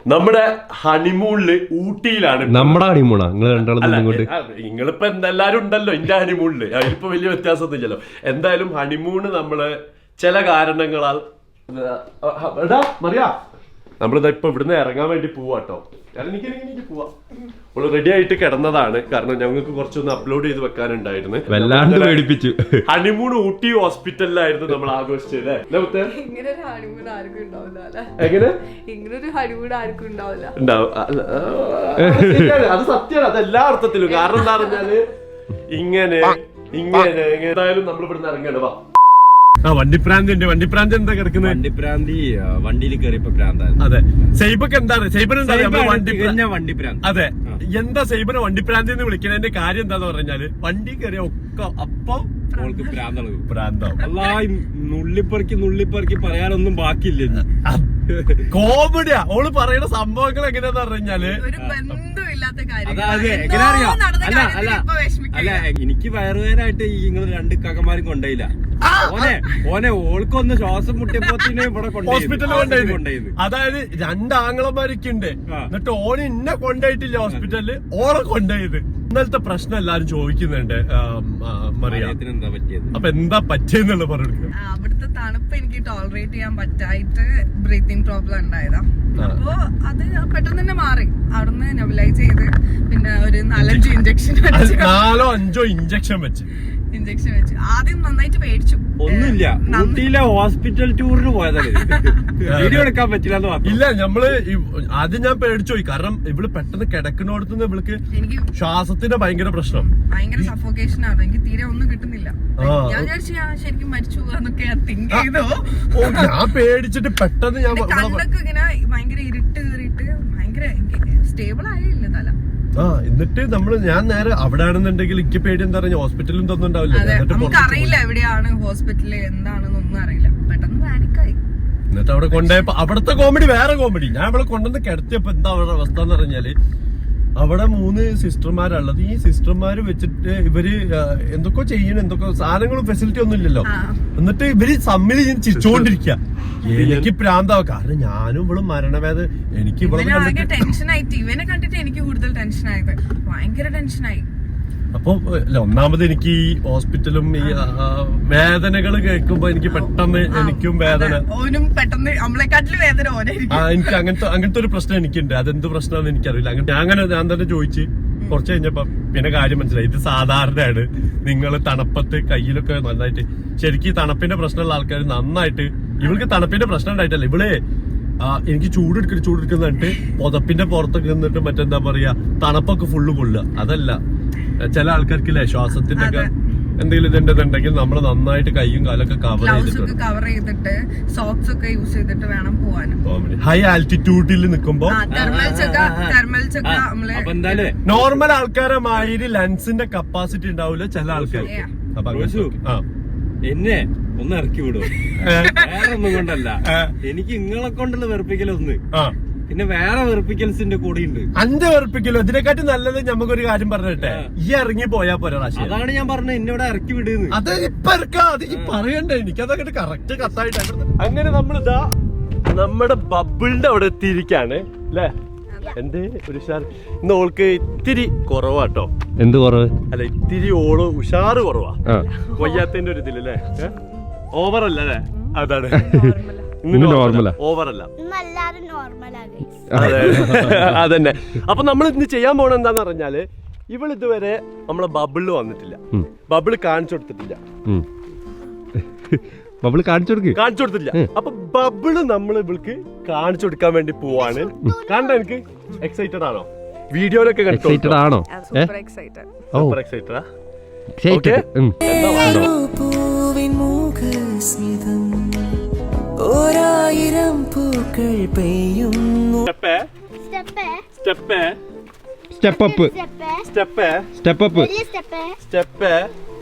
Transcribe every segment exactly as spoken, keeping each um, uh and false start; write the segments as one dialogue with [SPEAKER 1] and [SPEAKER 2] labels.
[SPEAKER 1] നമ്മുടെ ഹണിമൂണില് ഊട്ടിയിലാണ്.
[SPEAKER 2] നമ്മുടെ ഹണിമൂണാ നിങ്ങൾ രണ്ടാളും?
[SPEAKER 1] നിങ്ങളിപ്പോ എല്ലാരും ഉണ്ടല്ലോ എന്റെ ഹണിമൂണില്, അതിലിപ്പോ വലിയ വ്യത്യാസമൊന്നും ഇല്ലല്ലോ. എന്തായാലും ഹണിമൂണ് നമ്മള് ചില കാരണങ്ങളാൽ മറിയാ നമ്മളിതാ ഇപ്പൊ ഇവിടുന്ന് ഇറങ്ങാൻ വേണ്ടി പോവാട്ടോ. എനിക്ക് പോവാ. നമ്മള് റെഡി ആയിട്ട് കിടന്നതാണ്, കാരണം ഞങ്ങൾക്ക് കുറച്ചൊന്ന് അപ്ലോഡ് ചെയ്ത് വെക്കാനുണ്ടായിരുന്നു.
[SPEAKER 2] വല്ലാണ്ട് പേടിപ്പിച്ചു.
[SPEAKER 1] ഹണിമൂൺ ഊട്ടി ഹോസ്പിറ്റലിലായിരുന്നു നമ്മൾ ആഘോഷിച്ചത്. എങ്ങനെ അത് സത്യമാണ്, അത് എല്ലാ അർത്ഥത്തിലും. കാരണം എന്താ പറഞ്ഞാല് ഇങ്ങനെ ഇങ്ങനെ എന്തായാലും നമ്മൾ ഇവിടുന്ന് ഇറങ്ങണം. വാ. ആ വണ്ടിപ്രാന്തിന്റെ വണ്ടിപ്രാന്തി എന്താ കിടക്കുന്നത്?
[SPEAKER 2] വണ്ടിപ്രാന്തി വണ്ടിയിൽ കയറിയപ്പോ പ്രാന്തായിരുന്നു.
[SPEAKER 1] അതെ. സൈബക്ക് എന്താണ് സൈബൻ
[SPEAKER 2] വണ്ടിപ്രാന്തി?
[SPEAKER 1] അതെ. എന്താ സൈബനെ വണ്ടിപ്രാന്തി എന്ന് വിളിക്കുന്നതിന്റെ കാര്യം എന്താന്ന് പറഞ്ഞാല് വണ്ടി കയറിയ ഒക്കെ അപ്പൊ പ്രാന്താവും.
[SPEAKER 2] അല്ലാ നുള്ളിപ്പറക്കി നുള്ളിപ്പറക്കി പറയാനൊന്നും ബാക്കിയില്ല.
[SPEAKER 1] കോമഡിയാ ഓള് പറയുന്ന സംഭവങ്ങൾ എങ്ങനെയാന്ന് പറഞ്ഞാല്
[SPEAKER 2] അല്ല അല്ല അല്ല എനിക്ക് വയറുവേനായിട്ട് ഈ നിങ്ങൾ രണ്ട് കകമാരും കൊണ്ടേയില്ല. ഓനെ ഓനെ ഓൾക്കൊന്ന് ശ്വാസം മുട്ടിയപ്പോത്തിന് ഇവിടെ
[SPEAKER 1] ഹോസ്പിറ്റലിൽ കൊണ്ടുപോയത്. അതായത് രണ്ടാങ്ങളമാരൊക്കെ ഉണ്ട്, എന്നിട്ട് ഓന് ഇന്നെ കൊണ്ടുപോയിട്ടില്ല ഹോസ്പിറ്റലില്, ഓളെ കൊണ്ടുപോയത്. ഇന്നലത്തെ പ്രശ്നം എല്ലാരും ചോദിക്കുന്നുണ്ട് മറിയാ, അപ്പൊ എന്താ പറ്റിയെന്നുള്ള പറഞ്ഞു.
[SPEAKER 3] അവിടുത്തെ തണുപ്പ് എനിക്ക് ടോളറേറ്റ് ചെയ്യാൻ പറ്റായിട്ട് ബ്രീത്തിങ് പ്രോബ്ലം ഉണ്ടായതാ. അപ്പൊ അത് പെട്ടെന്ന് തന്നെ മാറി. അവിടുന്ന് നെബുലൈസ് ചെയ്ത് പിന്നെ ഒരു നാലഞ്ച് ഇഞ്ചക്ഷൻ
[SPEAKER 1] നാലോ അഞ്ചോ ഇഞ്ചക്ഷൻ വെച്ച്
[SPEAKER 3] ഇഞ്ചക്ഷൻ വെച്ചു. ആദ്യം നന്നായിട്ട് പേടിച്ചു.
[SPEAKER 2] ഒന്നുമില്ല, ഊട്ടിയിലെ ഹോസ്പിറ്റൽ ടൂറിന് പോയതല്ലേ, വീഡിയോ എടുക്കാൻ പറ്റില്ല.
[SPEAKER 1] ഇല്ല നമ്മള് ആദ്യം ഞാൻ പേടിച്ചു പോയി, കാരണം ഇവള് പെട്ടെന്ന് കിടക്കുന്നിടത്തുനിന്ന് ഇവൾക്ക് ശ്വാസത്തിന്റെ ഭയങ്കര പ്രശ്നം,
[SPEAKER 3] ഭയങ്കര സഫോക്കേഷൻ ആണ്. എനിക്ക് തീരെ ഒന്നും കിട്ടുന്നില്ല. ഞാൻ വിചാരിച്ചു ഞാൻ ശരിക്കും മരിച്ചു പോകാന്നൊക്കെ തിങ്ക് ചെയ്തു.
[SPEAKER 1] ഞാൻ പേടിച്ചിട്ട് പെട്ടെന്ന് ഞാൻ
[SPEAKER 3] കണ്ണൊക്കെ ഇങ്ങനെ ഭയങ്കര ഇരുട്ട് കയറിയിട്ട് ഭയങ്കര സ്റ്റേബിൾ ആയില്ല തല.
[SPEAKER 1] ആ എന്നിട്ട് നമ്മള് ഞാൻ നേരെ അവിടെ ആണെന്നുണ്ടെങ്കിൽ എനിക്ക് പേടി എന്താ പറയുക, ഹോസ്പിറ്റലും തോന്നുന്നുണ്ടാവില്ല.
[SPEAKER 3] നമുക്ക് അറിയില്ല എവിടെയാണ് ഹോസ്പിറ്റല് എന്താണെന്നൊന്നും അറിയില്ല. പെട്ടെന്ന് പാനിക്കായി.
[SPEAKER 1] എന്നിട്ട് അവിടെ കൊണ്ടുപോയപ്പോ അവിടുത്തെ കോമഡി വേറെ കോമഡി. ഞാൻ ഇവിടെ കൊണ്ടുവന്ന് കിടത്തിയപ്പോ എന്താ അവരുടെ അവസ്ഥ എന്ന് പറഞ്ഞാല്, അവിടെ മൂന്ന് സിസ്റ്റർമാരുള്ളത്. ഈ സിസ്റ്റർമാര് വെച്ചിട്ട് ഇവര് എന്തൊക്കെ ചെയ്യണം, എന്തൊക്കെ സാധനങ്ങളും ഫെസിലിറ്റി ഒന്നും ഇല്ലല്ലോ. എന്നിട്ട് ഇവര് തമ്മിൽ ഞാൻ ചിരിച്ചോണ്ടിരിക്കുക. എനിക്ക് പ്രാന്താവും, കാരണം ഞാനും ഇവളും മരണവേദന. എനിക്ക്
[SPEAKER 3] ഇവിടെ ടെൻഷനായിട്ട് ഇവനെ കണ്ടിട്ട് എനിക്ക് കൂടുതൽ ടെൻഷനായത്, ഭയങ്കര ടെൻഷനായി.
[SPEAKER 1] അപ്പൊ ഒന്നാമത് എനിക്ക് ഈ ഹോസ്പിറ്റലും ഈ വേദനകൾ കേൾക്കുമ്പോ എനിക്ക് പെട്ടെന്ന് എനിക്കും വേദന,
[SPEAKER 3] ഓനും പെട്ടെന്ന് നമ്മളെക്കാട്ടില് വേദന ഓനായിരിക്കും.
[SPEAKER 1] എനിക്ക് അങ്ങനത്തെ അങ്ങനത്തെ ഒരു പ്രശ്നം എനിക്കുണ്ട്. അതെന്ത് പ്രശ്നമാണെന്ന് എനിക്കറിയില്ല. അങ്ങനെ അങ്ങനെ ഞാൻ തന്നെ ചോദിച്ച് കുറച്ച് കഴിഞ്ഞപ്പോ പിന്നെ കാര്യം മനസ്സിലായി. ഇത് സാധാരണയാണ്. നിങ്ങൾ തണുപ്പത്ത് കയ്യിലൊക്കെ നന്നായിട്ട്, ശരിക്കും തണുപ്പിന്റെ പ്രശ്നമുള്ള ആൾക്കാർ നന്നായിട്ട്, ഇവൾക്ക് തണുപ്പിന്റെ പ്രശ്നം ഉണ്ടായിട്ടല്ല, ഇവളെ എനിക്ക് ചൂടെടുക്കണം ചൂടെടുക്കുന്നിട്ട് പുതപ്പിന്റെ പുറത്തൊക്കെ നിന്നിട്ട് മറ്റെന്താ പറയാ തണുപ്പൊക്കെ ഫുള്ള് കൊള്ളുക. അതല്ല, ചില ആൾക്കാർക്കില്ലേ ശ്വാസത്തിന്റെ ഒക്കെ എന്തെങ്കിലും ഇതുണ്ടെന്നുണ്ടെങ്കിൽ നമ്മൾ നന്നായിട്ട് കൈയും കാലൊക്കെ കവർ ചെയ്തിട്ട്
[SPEAKER 3] കവർ ചെയ്തിട്ട് സോക്സ് ഒക്കെ യൂസ് ചെയ്തിട്ട് വേണം പോവാൻ.
[SPEAKER 1] ഹൈ ആൽറ്റിറ്റ്യൂഡിൽ നിൽക്കുമ്പോ നോർമൽ ആൾക്കാരെ മാതിരി ലൻസിന്റെ കപ്പാസിറ്റി ഉണ്ടാവില്ല ചില ആൾക്കാർക്ക്. അപ്പൊ
[SPEAKER 2] എന്നെ ഒന്ന് ഇറക്കി വിടും, വേറെ ഒന്നും കൊണ്ടല്ല. എനിക്ക് നിങ്ങളെ കൊണ്ടുള്ള വെറുപ്പിക്കലൊന്ന്, പിന്നെ വേറെ വെറുപ്പിക്കൽസിന്റെ കൂടെ ഉണ്ട്.
[SPEAKER 1] അഞ്ച് വെറുപ്പിക്കലോ ഇതിനെക്കാട്ടി നല്ലത് നമുക്കൊരു കാര്യം പറഞ്ഞിട്ടെ, ഈ ഇറങ്ങി പോയാ പോരാ.
[SPEAKER 2] അതാണ് ഞാൻ പറഞ്ഞത്, എന്നോട് ഇറക്കി വിടുന്നു.
[SPEAKER 1] അത് ഇപ്പൊ ഇറക്കാം, അത് ഈ പറയണ്ടേ, എനിക്ക് അതൊക്കെ കറക്റ്റ് കത്തായിട്ട്. അങ്ങനെ നമ്മളിതാ നമ്മുടെ ബബിളിന്റെ അവിടെ എത്തിയിരിക്കാണ് അല്ലേ. എന്റെ ഒരു ഉഷാർ ഇന്ന് ഓൾക്ക് ഇത്തിരി കുറവാട്ടോ.
[SPEAKER 2] എന്ത് കുറവ്?
[SPEAKER 1] അല്ല ഇത്തിരി ഓള് ഉഷാറ് കുറവാ, വയ്യാത്തതിന്റെ ഒരു ഇതിലല്ലേ. ഓവറല്ല അല്ലേ, അതാണ്
[SPEAKER 2] നോർമലാ,
[SPEAKER 1] ഓവറല്ല. അതന്നെ. അപ്പൊ നമ്മൾ ഇന്ന് ചെയ്യാൻ പോണ എന്താന്ന് പറഞ്ഞാല്, ഇവൾ ഇതുവരെ നമ്മളെ ബബിളില് വന്നിട്ടില്ല, ബബിള് കാണിച്ചു കൊടുത്തിട്ടില്ല.
[SPEAKER 2] ബബിള് കാണിച്ചു കൊടുക്ക്
[SPEAKER 1] കാണിച്ചു കൊടുത്തില്ല. അപ്പൊ ബബിള് നമ്മൾ ഇവൾക്ക് കാണിച്ചു കൊടുക്കാൻ വേണ്ടി പോവാണ്. കണ്ട എനിക്ക് എക്സൈറ്റഡ് ആണോ? വീഡിയോയിലൊക്കെ
[SPEAKER 2] എക്സൈറ്റഡ് ആണോ?
[SPEAKER 3] Super excited.
[SPEAKER 1] സൂപ്പർ എക്സൈറ്റഡാ.
[SPEAKER 4] ഓരായിരം പൂക്കൾ പെയ്യുന്നു.
[SPEAKER 1] Step
[SPEAKER 2] step up
[SPEAKER 1] step
[SPEAKER 2] step up
[SPEAKER 1] step.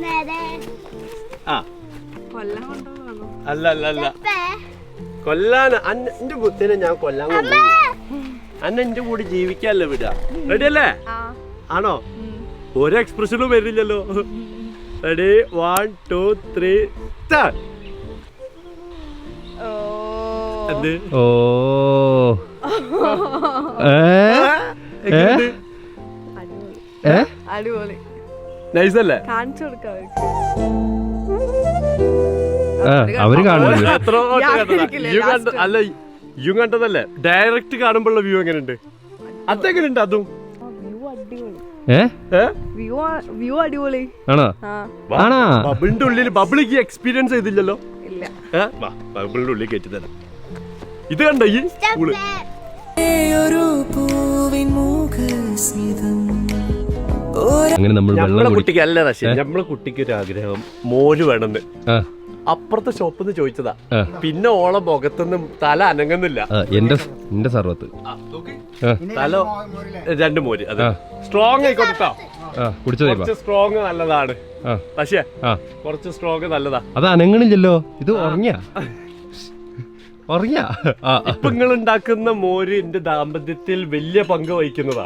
[SPEAKER 1] ആ അല്ല അല്ല അല്ല കൊല്ലാൻ എന്റെ ബുദ്ധിനെ ഞാൻ കൊല്ലാൻ കൊണ്ടു. അന്ന എന്റെ കൂടെ ജീവിക്കാല്ലോ വിടാ. റെഡി അല്ലേ? ആണോ? ഒരു എക്സ്പ്രഷനും വരില്ലല്ലോ. Ready, one two three start.
[SPEAKER 2] ഓ
[SPEAKER 3] അടിപൊളി
[SPEAKER 1] നൈസ് അല്ലേ?
[SPEAKER 3] കാണിച്ചു കൊടുക്കാം
[SPEAKER 5] അവര് കാണുന്നത്
[SPEAKER 1] അല്ല യു കണ്ടതല്ലേ? ഡയറക്റ്റ് കാണുമ്പോഴുള്ള വ്യൂ എങ്ങനെയുണ്ട്? അതെങ്ങനെയുണ്ട് അതും?
[SPEAKER 3] വ്യൂ അടിപൊളി
[SPEAKER 5] ആണോ? ആണോ?
[SPEAKER 1] ബബിളിന്റെ ഉള്ളിൽ ബബിളിക്ക് എക്സ്പീരിയൻസ് ചെയ്തില്ലല്ലോ.
[SPEAKER 3] ഇല്ല,
[SPEAKER 1] ബബിളിന്റെ ഉള്ളിൽ കയറ്റി തരാം. ഇത് കണ്ട ഈ പൂള്
[SPEAKER 5] അങ്ങനെ നമ്മൾ
[SPEAKER 1] നമ്മളെ കുട്ടിക്ക് അല്ല റഷ്യ, നമ്മളെ കുട്ടിക്ക് ഒരു ആഗ്രഹം മോര് വേണമെന്ന്. അപ്പുറത്തെ ഷോപ്പിൽ നിന്ന് ചോദിച്ചതാ. പിന്നെ ഓളെ മുഖത്തൊന്നും തല അനങ്ങുന്നില്ല.
[SPEAKER 5] എന്റെ എന്റെ സർവത്ത്
[SPEAKER 1] തല രണ്ട് മോര്. അത് സ്ട്രോങ് ആയിക്കോട്ടോ. കുറച്ച് സ്ട്രോങ് നല്ലതാണ് പക്ഷേ കുറച്ച് സ്ട്രോങ് നല്ലതാ.
[SPEAKER 5] അത് അനങ്ങണില്ലല്ലോ. ഇത് ഉറങ്ങിയ ഉറങ്ങിയ
[SPEAKER 1] ഇപ്പൊ നിങ്ങൾ ഉണ്ടാക്കുന്ന മോര് എന്റെ ദാമ്പത്യത്തിൽ വലിയ പങ്ക് വഹിക്കുന്നതാ.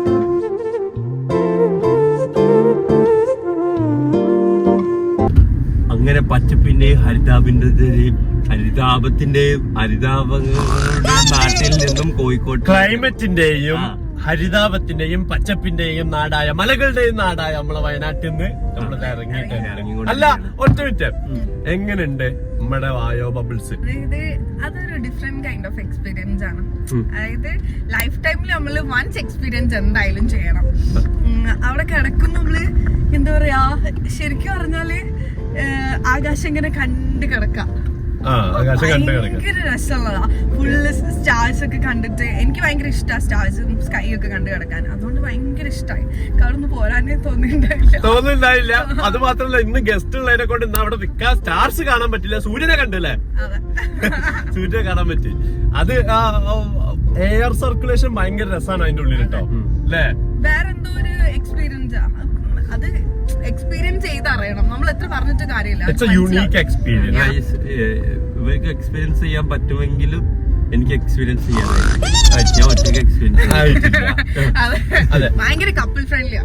[SPEAKER 2] അങ്ങനെ പച്ചപ്പിന്റെയും ഹരിതാപിന്റെയും ഹരിതാപത്തിന്റെയും ഹരിതാപങ്ങളുടെ നാട്ടിൽ നിന്നും കോഴിക്കോട്
[SPEAKER 1] ക്ലൈമറ്റിന്റെയും ഹരിതാപത്തിന്റെയും പച്ചപ്പിന്റെയും നാടായ മലകളുടെയും നാടായ നമ്മളെ വയനാട്ടിൽ നിന്ന് നമ്മൾ ഇറങ്ങിയിട്ട് അല്ല ഒറ്റ മിനിറ്റ് എങ്ങനെയുണ്ട് നമ്മുടെ വായോ ബബിൾസ്?
[SPEAKER 3] ഇത് അതൊരു ഡിഫറെന്റ് കൈൻഡ് ഓഫ് എക്സ്പീരിയൻസ് ആണ്. അതായത് ലൈഫ് ടൈമിൽ നമ്മള് വൺസ് എക്സ്പീരിയൻസ് എന്തായാലും ചെയ്യണം. അവിടെ കിടക്കും നമ്മള് എന്താ പറയാ, ശരിക്കും പറഞ്ഞാല് ആകാശം ഇങ്ങനെ കണ്ട് കിടക്കാം. ഭയങ്കര രസമുള്ളതാ. ഫുള്ള് സ്റ്റാർസ് ഒക്കെ കണ്ടിട്ട് എനിക്ക് ഭയങ്കര ഇഷ്ടമാണ് സ്റ്റാർസും സ്കൈ ഒക്കെ കണ്ടു കിടക്കാൻ. അതുകൊണ്ട് ഭയങ്കര ഇഷ്ടമായി. അവിടെ പോരാനേ തോന്നിണ്ടായില്ല
[SPEAKER 1] തോന്നിണ്ടായില്ല അത് മാത്രല്ല ഇന്ന് ഗസ്റ്റ് ഉള്ളതിനെ കൊണ്ട് ഇന്ന് അവിടെ നിൽക്കാൻ സ്റ്റാർസ് കാണാൻ പറ്റില്ല. സൂര്യനെ കണ്ടല്ലേ? സൂര്യനെ കാണാൻ പറ്റി. അത് എയർ സർക്കുലേഷൻ ഭയങ്കര രസമാണ് അതിന്റെ ഉള്ളിൽ കേട്ടോ അല്ലേ?
[SPEAKER 3] വേറെന്തോ ഒരു എക്സ്പീരിയൻസ്. അത് എക്സ്പീരിയൻസ് ചെയ്തറിയണം. നമ്മൾ എത്ര പറഞ്ഞിട്ട് കാര്യമില്ല.
[SPEAKER 1] Unique experience.
[SPEAKER 2] ഇവർക്ക് എക്സ്പീരിയൻസ് ചെയ്യാൻ പറ്റുമെങ്കിലും എനിക്ക് എക്സ്പീരിയൻസ് ചെയ്യാൻ ഞാൻ ഒറ്റയ്ക്ക് എക്സ്പീരിയൻസ്
[SPEAKER 3] ഭയങ്കര കപ്പിൾ ഫ്രണ്ട്ലിയാ.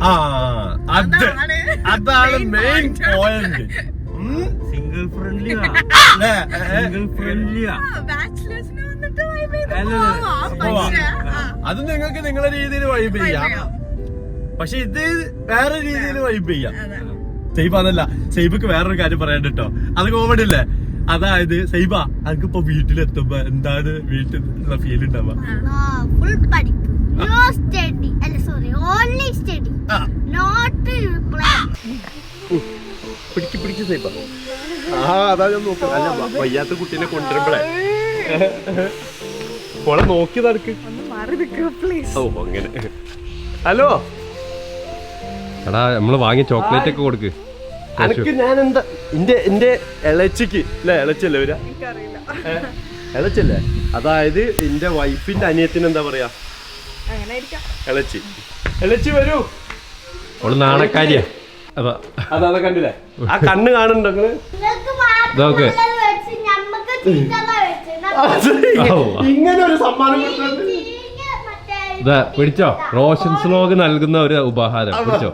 [SPEAKER 1] അതാണ് മെയിൻ പോയിന്റ്.
[SPEAKER 2] സിംഗിൾ ഫ്രണ്ട്ലിയാ സിംഗിൾ ഫ്രണ്ട്ലിയാ
[SPEAKER 3] ബാച്ചിലേഴ്സിന് വന്നിട്ട്
[SPEAKER 1] അത് നിങ്ങൾക്ക് നിങ്ങളുടെ രീതിയിൽ വൈബ് ചെയ്യാം. പക്ഷെ ഇത് വേറെ രീതിയിൽ വൈബ് ചെയ്യാം. സൈബ അതല്ല, സൈബക്ക് വേറൊരു കാര്യം പറയാൻ കേട്ടോ. അത് കോമഡി അല്ലേ? അതായത് സൈബ അതിപ്പോ വീട്ടിലെത്തുമ്പോ എന്താണ് വീട്ടിൽ ഉള്ള ഫീൽ ഉണ്ടാവുക? പിടിക്ക് പിടിക്ക് സൈബ. ആ അതാ ഞാൻ നോക്കാം. അല്ല വയ്യാത്ത കുട്ടീനെ കൊണ്ടുവരുമ്പോഴേ ഓളെ നോക്കി നടക്ക്. ഓ അങ്ങനെ. ഹലോ
[SPEAKER 5] എടാ നമ്മള് വാങ്ങിയ ചോക്ലേറ്റ് ഒക്കെ കൊടുക്ക്.
[SPEAKER 1] അനക്ക് ഞാൻ എന്താ എന്റെ എന്റെ ഇളച്ചിക്ക് അല്ലെ ഇളച്ചല്ലേ വരാ? ഇളച്ചല്ലേ? അതായത് എന്റെ വൈഫിന്റെ അനിയത്തിന് എന്താ പറയാ ഇളച്ചി. ഇളച്ചി വരൂ.
[SPEAKER 5] അവള് നാണക്കാരിയാ. അതാ
[SPEAKER 1] അതാ കണ്ടില്ലേ? ആ കണ്ണ് കാണുന്നുണ്ടോ നിങ്ങള്?
[SPEAKER 5] ഇതൊക്കെ
[SPEAKER 1] ഇങ്ങനെ ഒരു സമ്മാനം കൊടുത്തത്
[SPEAKER 5] ഇതാ പിടിച്ചോ. റോഷൻ സ്ലോഗ് നൽകുന്ന ഒരു ഉപഹാരം പിടിച്ചോ.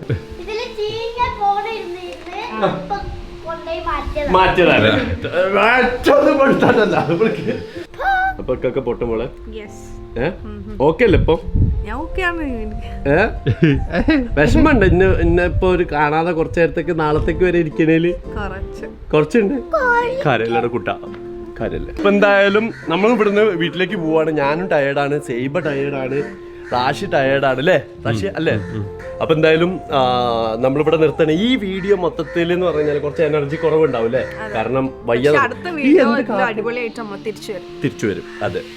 [SPEAKER 1] മാറ്റിയതല്ലേ? മാറ്റൊന്നും കൊടുത്തതല്ല. അപ്പൊക്കെ പൊട്ടുമ്പോളെ ഏ ഓക്കെ അല്ലേ ഇപ്പൊ? ഏ വിഷമുണ്ട് ഇന്ന് ഇന്നിപ്പോ ഒരു കാണാതെ കുറച്ചു നേരത്തേക്ക് നാളത്തേക്ക് വരെ ഇരിക്കണേല് കുറച്ചുണ്ട്. കരയിലൂടെ കുട്ട കാര്യല്ലേ. ഇപ്പൊ എന്തായാലും നമ്മൾ ഇവിടുന്ന് വീട്ടിലേക്ക് പോവാണ്. ഞാനും ടയേർഡാണ്, സൈബ ടയേർഡാണ്, റാഷി ടയേർഡാണ് അല്ലേ റാഷി അല്ലേ? അപ്പൊ എന്തായാലും നമ്മളിവിടെ നിർത്തണ ഈ വീഡിയോ മൊത്തത്തിൽ എന്ന് പറഞ്ഞാൽ കുറച്ച് എനർജി കുറവുണ്ടാവും അല്ലേ? കാരണം വയ്യ തിരിച്ചു വരും. അതെ